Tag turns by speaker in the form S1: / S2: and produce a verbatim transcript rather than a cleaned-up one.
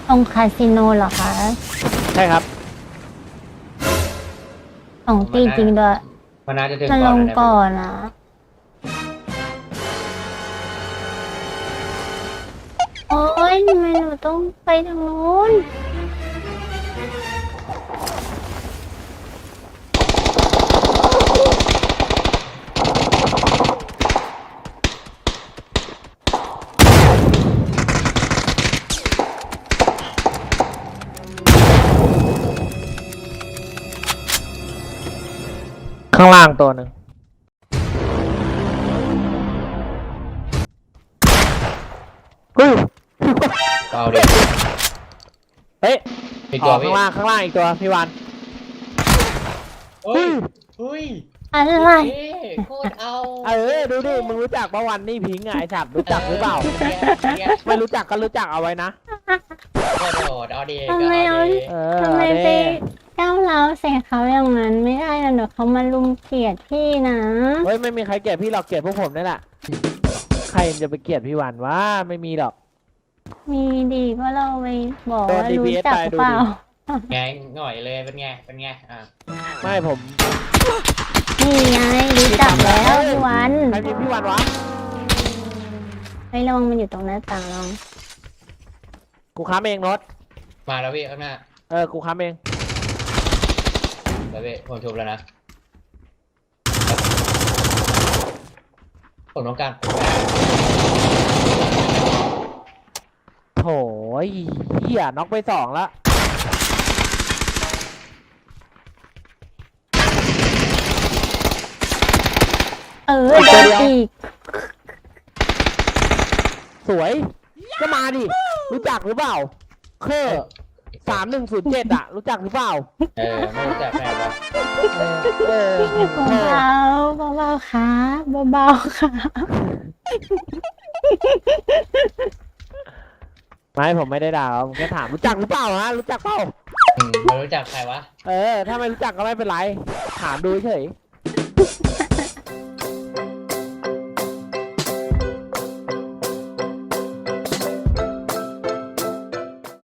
S1: ตรงคาสิโนเหรอคะ
S2: ใช่ครับ
S1: สองตีจริงด้วย
S3: มันน่าจะถึง
S1: มัน
S3: ก่
S1: ล
S3: อน
S1: ง
S3: นะ
S1: ก่อนนะโอ้ยทำไมหนูต้องไปทางนู้น
S2: ข้างล่างตัวหนึ่งเฮ้ย
S3: เอาดิ
S2: เฮ้ย
S3: มี
S2: อ
S3: ตัว
S2: อก
S3: พี่
S2: ข้างล่างข้างล่างอีกตัวพี่วัน
S3: เฮ้ยเฮ้ย
S1: อะไร
S3: เอ๊ะโคตรเอา
S2: เออดูดิมึงรู้จักปะวันนี่พิงค์อะไอ้สัตว์รู้จักหรือเปล่า
S3: เนี่ย
S2: ไม่รู้จักก็รู้จักเอาไว้นะ
S3: โคตรโหดเอาดิ
S1: ทำไม
S3: ก็
S1: เอา
S3: เอาดิ
S2: เออ
S1: ทำไมไป
S2: เด้
S1: ก้าวร้าวใส่เขาอย่างนั้นไม่ได้นะเดี๋ยวเขามาลุมเกลียดพี่นะ
S2: เฮ้ยไม่มีใครเกลียดพี่หรอกเกลียดพวกผมนี่แหละใครจะไปเกลียดพี่วันวะไม่มีหรอก
S1: มีดีก็เราไปบอก
S2: โดน
S1: ว่า
S2: ดี
S1: รู้
S2: พีเอส
S1: จัก
S2: ไปดู
S1: เปล่า
S2: ดิ
S3: ไงหน่อยเลยเป็นไงเป็นไงอ่ะ
S2: ไม่ผม
S1: นี่ไงรู้จักแล้วพี่วัน
S2: ใครพิมพ์พี่วันวะ
S1: ไประวังมันอยู่ตรงหน้าต่างลอง
S2: กูค้ำเองรถ
S3: มาแล้วพี่ข้างหน้า
S2: เออกูค้ำเอง
S3: แล้วพี่ผมชุบแล้วนะผมต้องการ
S2: โถ่เหี้ยน็อกไปสองละ
S1: เออโดนอีก
S2: สวยก็มาดิรู้จักหรือเปล่าเคอสามหนึ่งศูนย์เจ็ดอะรู้จักหรือเปล่า
S3: เออไม่รู้จักแน่ปะ
S2: เออเออ
S1: เบาๆเบาๆค่ะเบาๆค่ะ
S2: ไม่ผมไม่ได้ด่าผมแค่ถามรู้จักหรือเปล่าฮะรู้จักเปล่า
S3: อืมไม่รู้จักใครวะ
S2: เออถ้าไม่รู้จักก็ไม่เป็นไรถามดูเฉย